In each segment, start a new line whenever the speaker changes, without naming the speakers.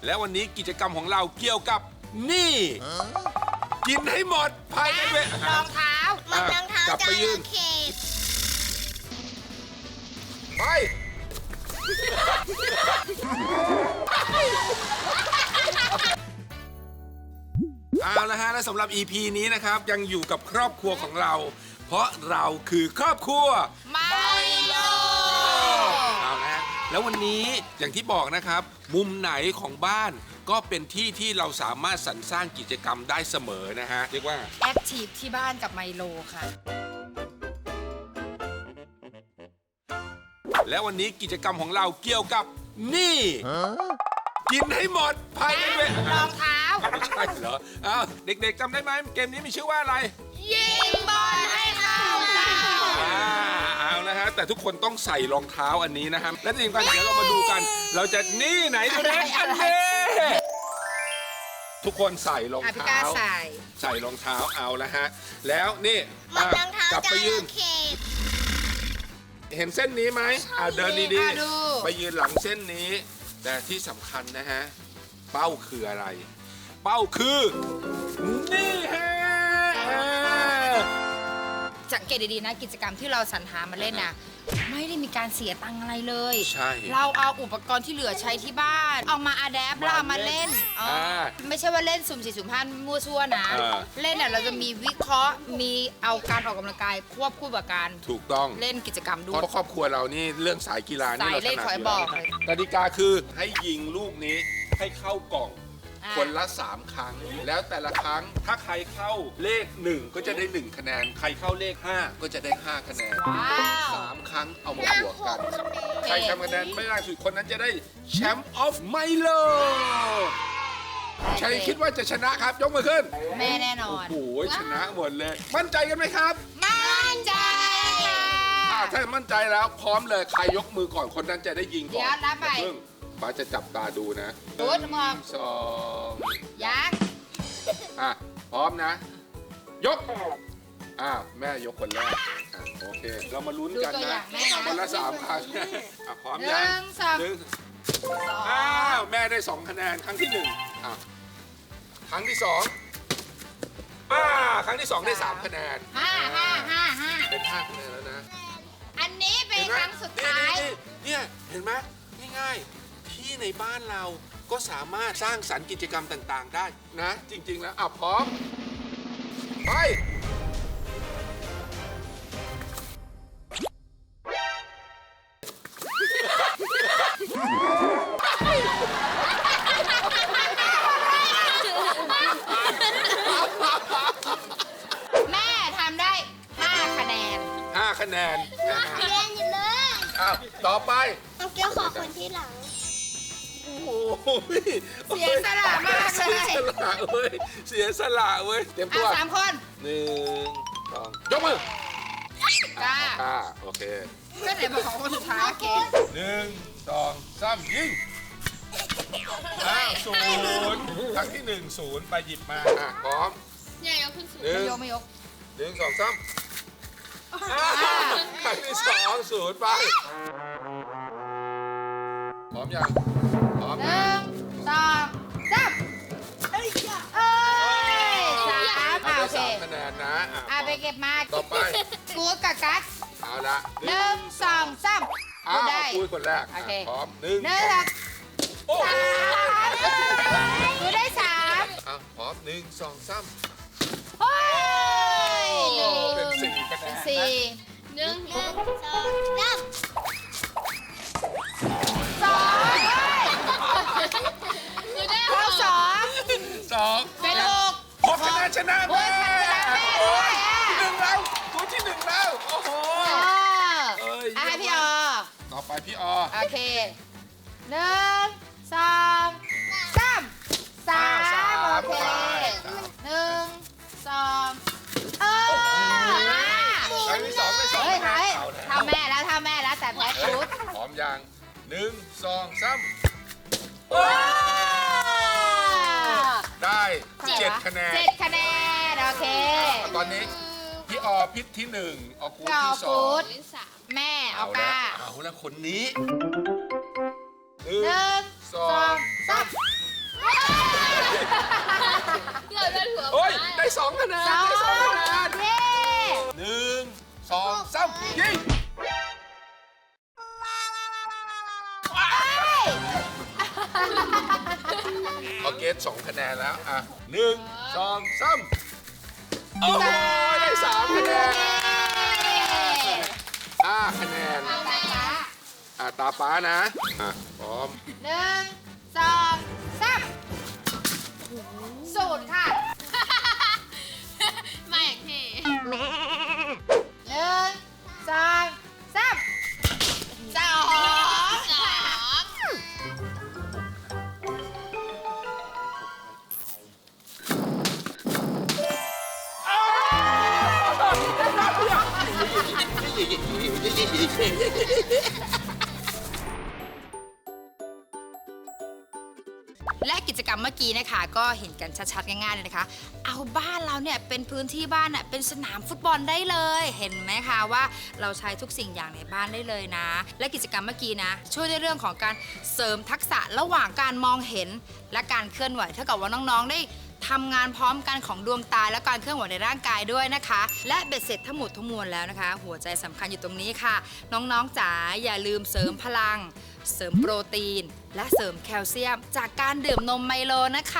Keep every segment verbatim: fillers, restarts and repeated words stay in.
และวันนี้กิจกรรมของเราเกี่ยวกับนี่ กินให้หมดภายในเวลารองเท้า
มันรองเท้าก
ลับไปยืน
เขต
ไปเอาละฮะและสำหรับ อี พี นี้นะครับยังอยู่กับครอบครัวของเรา เพราะเราคือครอบครัว
ไมโล
เอาละฮะแล้ววันนี้อย่างที่บอกนะครับ มุมไหนของบ้านก็เป็นที่ที่เราสามารถสรรสร้างกิจกรรมได้เสมอนะฮะเรียกว่า
แอคทีฟที่บ้านกับไมโลค่ะ
และวันนี้กิจกรรมของเราเกี่ยวกับนี่ กินให้หมดภายในเวลาร
องเท้า
ไม่ใช่เหรออ้าวเด็กๆจำได้ไหมเกมนี้มีชื่อว่าอะไร
ยิงบอลให้เข้าเป้า
อ่าเอานะฮะแต่ทุกคนต้องใส่รองเท้าอันนี้นะครับและจริงๆกันเดี๋ยวเรามาดูกัน เราจะนี่ไหนดูเด็กอันนี้ทุกคนใส่รอง
อ่ะพี่
เท้า
ก้าใส่
ใส่รองเท้าเอาละฮะแล้วนี่
มัน
อ่ะ
รองเท้าก
ลับไปยืน
เขต
เห็นเส้นนี้ไหมอ่าเดินดี
อ่ะดู
ๆไปยืนหลังเส้นนี้ แต่ที่สำคัญนะฮะเป้าคืออะไร เป้าคือนี่ฮะอ่า
สังเกตดีๆนะกิจกรรมที่เราสรรหามาเล่นนะไม่ได้มีการเสียตังค์อะไรเลย
ใช่
เราเอาอุปกรณ์ที่เหลือใช้ที่บ้าน เอามาอะแดปแล้วเอามาเล่นอ๋ออา ไม่ใช่ว่าเล่นสุ่มสี่สุ่มห้ามั่วซั่วนะ
อ่า
เล่นเนี่ยเราจะมีวิเคราะห์มีเอาการออกกำลังกายควบคู่กับการ
ถูกต้อง
เล่นกิจกรรมด้
เพ
วย
ราะครอบครัวเรานี่เรื่องสายกีฬานี่
สาย
เราถ
เล่น
นัด
ขอ
อ
ให้
ยู่
บ
แล้
อ
ว
กเลย
กติกาคือให้ยิงลูกนี้ให้เข้ากล่อง
อ่า
คนละสามครั้ง แล้วแต่ละครั้งถ้าใครเข้าเลขหนึ่งก็จะได้หนึ่งคะแนน ใครเข้าเลขห้าก็จะได้ห้าคะแนน
ว้าว
สามครั้งเอามาบวกกัน ใครทำคะแนนไม่ได้สุดคนนั้นจะได้แชมป์ออฟไมโลใครคิดว่าจะชนะครับ ยกมือขึ้น
แม่แน่นอน
โอ้โหชนะหมดเลย มั่นใจกันไหมครับ
มั่นใจค่ะ
อ่าถ้ามั่นใจแล้วพร้อมเลยใครยกมือก่อนคนนั้นจะได้ยิงก่อน
เดี๋ยวนับไป
อย่าเพิ่งป้าจะจับตาดูนะ
ดูดมอง
สอง
ยักษ์
อ่ะพร้อมนะ ยกอ้าวแม่ยกคนแรกอ่ะโอเค เรามาลุ้นกัน
ดูตัวอ
นะ
ย่างแม่นะ
คนละสามครั้งอ่ะพร้อม
ห
ยัง
นึ่งสอง
หนึ่ง
สอง
อ้าวแม่ได้สองคะแนนครั้งที่หนึ่งอ่ะครั้งที่สองอ่าครั้งที่สองได้สามคะแนน
ห้าห้าห้าห้า
เป็นห้าคะแนนแล้วนะ
อันนี้เป็นครั้งสุดท้าย
นี่ๆๆเนี่ยเห็นไหมง่ายๆที่ในบ้านเราก็สามารถสร้างสรรค์กิจกรรมต่างๆได้นะ จริง ๆ แล้วอ่ะพร้อม ไป
แม่ทำได้ห้าคะแนน
ห้าคะแนนนะฮะ
เรียนอยู่เลย
อ้าวต่อไป
เอาเกี้ยวขอคนที่หลัง
โอ้โห
เสียสละมากเลย
เสียสละเว้ยเสียสละเว้ยเตรียม
อ่ะ
ตัว
สามคน
หนึ่งสองยกมือ
จ้า
อ่าโอเค
ก็ไหนบอกของคนสุดท้ายเกม
หนึ่งสองสามยิงอ้าวศูนย์ครั้งที่หนึ่งศูนย์ไปหยิบมาอ่ะพร้อม
เนี่ยยกขึ้นสูง
หนึ่
ไม่
ง
ยกไม่ยก
หนึ่งสองสามอ้าวครั้งที่สองศูนย์ไปพร้อมยังพร้อม
ห
นะ
นึ่งสองสามเอ้ยสามอ่ะโอเค
สามคะแนนนะอ่ะ
อ่ะไปเก็บมา
ต่อไป
กูดกับกัส
เอาละ
หนึ่งสองสาม
อ้า
กู
ว
ได้
คุยคนแรก
โอเค
อ่ะพร้อมหนึ่ง
หนึ่งสอง
โอ้โห
สามกูได้สาม
อ่ะพร้อมหนึ่งสองสาม
เฮ้ยหนึ่ง
เป็นสี่คะแน
เป็น
น
สี่
หนึ่งหนึ่งสองสาม
สองเข้าสอง
สอง
เป็นหก
หกคะแนนชนะ
โอ้
แม่
ยชนะแม่ด้วยอ่ะ
ที่หนึ่งแล้วตัวที่หนึ่งแล้วโอ้โห
เออ
เอ้ย
อ่ะให้พี่ออ
ต่อไปพี่ออ
โอเคหนึ่งสองสามสามโอเคหนึ่งสองเออ
ครั้งที่สองได้สอง
เฮ้ย
คะแน
เฮ้ย
นเอาแล้ว
ทำแม่แล้วทำแม่แล้วแต่แพ้ชุด
พร้อมยังหนึ่งสองสาม
ว้า
ได้เจ็ดคะแนน
เจ็ดคะแนนโอเค
ตอนนี้พี่ออพิษที่หนึ่งออกูด
พี่ออ
ที่สอ
กู
ง
ด แม่เอา
เอา
ก้า
ละเอาละคนนี้ห
หนึ่ง
สอ
สอง งสาม
โอเคสองคะแนนแล้วอ่ะหนึ่งสองสามโอ้โหได้สามคะแนนห้าคะแนนอ่ะตาป้านะอ่ะพร้อม
หนึ่งสองสามศูนย์ค่ะ
มาอย่างเท่
หนึ่งสองสามสอง
สอง
และกิจกรรมเมื่อกี้นะคะ ก็เห็นกันชัดๆง่ายๆเลยนะคะ เอาบ้านเราเนี่ยเป็นพื้นที่บ้านน่ะเป็นสนามฟุตบอลได้เลย เห็นไหมคะว่าเราใช้ทุกสิ่งอย่างในบ้านได้เลยนะ และกิจกรรมเมื่อกี้นะ ช่วยในเรื่องของการเสริมทักษะระหว่างการมองเห็น และการเคลื่อนไหวเท่ากับว่าน้องๆได้ทำงานพร้อมกันของดวงตาและการเคลื่อนไหวในร่างกายด้วยนะคะ และเบ็ดเสร็จทั้งหมดทั้งมวลแล้วนะคะ หัวใจสำคัญอยู่ตรงนี้ค่ะ น้องๆจ๋าอย่าลืมเสริมพลัง เสริมโปรตีน และเสริมแคลเซียม จากการดื่มนมไมโลนะคะ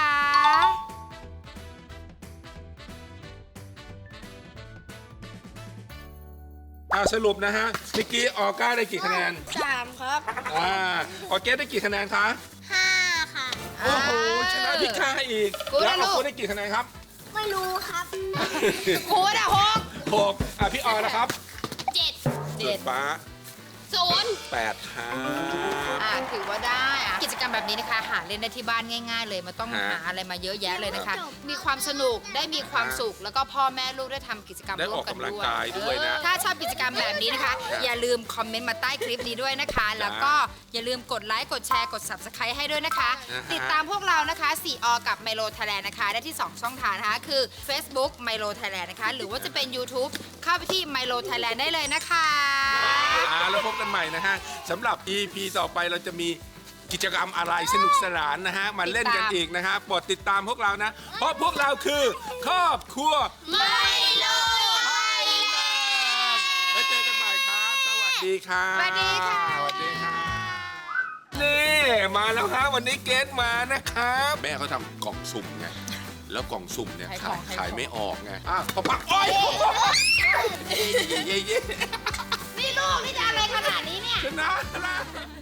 อ่ะสรุปนะฮะเมื่อกี้ออก้าได้กี่คะแนน
สามครับ
อ่าออเกสได้กี่คะแนนคะ
ห้าค่ะ
โอ้โหชนะพี่ค่าอีก
กูได้
แล้ว
ลู
อาก โค้ได้กี่คะแนนครับ
ไม่รู้ครับ
ครูนะหก
หกอ่ะพี่ออยนะครับ
เจ็ด
เจ็ด
ฟ้า
ศูนย์
แปดครับ
อ่าถือว่าได้อะกิจกรรมแบบนี้นะคะ หาเล่นได้ที่บ้านง่ายๆเลยไมันต้อง
ฮะ
หาอะไรมาเยอะแยะเลยนะคะ มีความสนุกได้มีความสุข แล้วก็พ่อแม่ลูกได้ทำกิจกรรม
ได้
ร่
อ
ว
อ
ม
ก
กัน
กำลัง
ด้วย
กายด้วยนะ
ถ้าชอบกิจกรรมแบบนี้นะคะ อย่าลืมคอมเมนต์มาใต้คลิปนี้ด้วยนะคะ แล้วก็อย่าลืมกดไลค์กดแชร์กด Subscribe ให้ด้วยนะคะ
อ่าฮะ
ติดตามพวกเรานะคะสี่อกับ Milo Thailand นะคะ ได้ที่ สอง ช่องทางนะคะ คือ Facebook Milo Thailand นะคะ หรือว่าจะเป็น YouTube เข้าไปที่ Milo Thailand ได้เลยนะคะ
อ่าแล้วพบกันใหม่นะฮะสำหรับ อี พี ต่อไปเราจะมีกิจกรรมอะไรสนุกสนานนะฮะมาเล่นกันอีกนะฮะโปรดติดตามพวกเรานะ เพราะพวกเราคือครอบครัว
ไม่รู้
ไทยแลนด์ไว้เจอกันใหม่ครับ สวัสดีครับ
สวัสดีค่ะ
สวัสดีครับนี่มาแล้วครับวันนี้เกสมานะครับแม่เขาทำกล่องสุ่มไงแล้วกล่องสุ่มเนี่ย
ขายข
ขา
อย งขายของ
ขายไม่ออกไงอ่ะปะปักโอ้ยเย้เย้เย้
นี่ลูกนี่จะอะไรขนาดนี้เนี่ย
ชนะนะ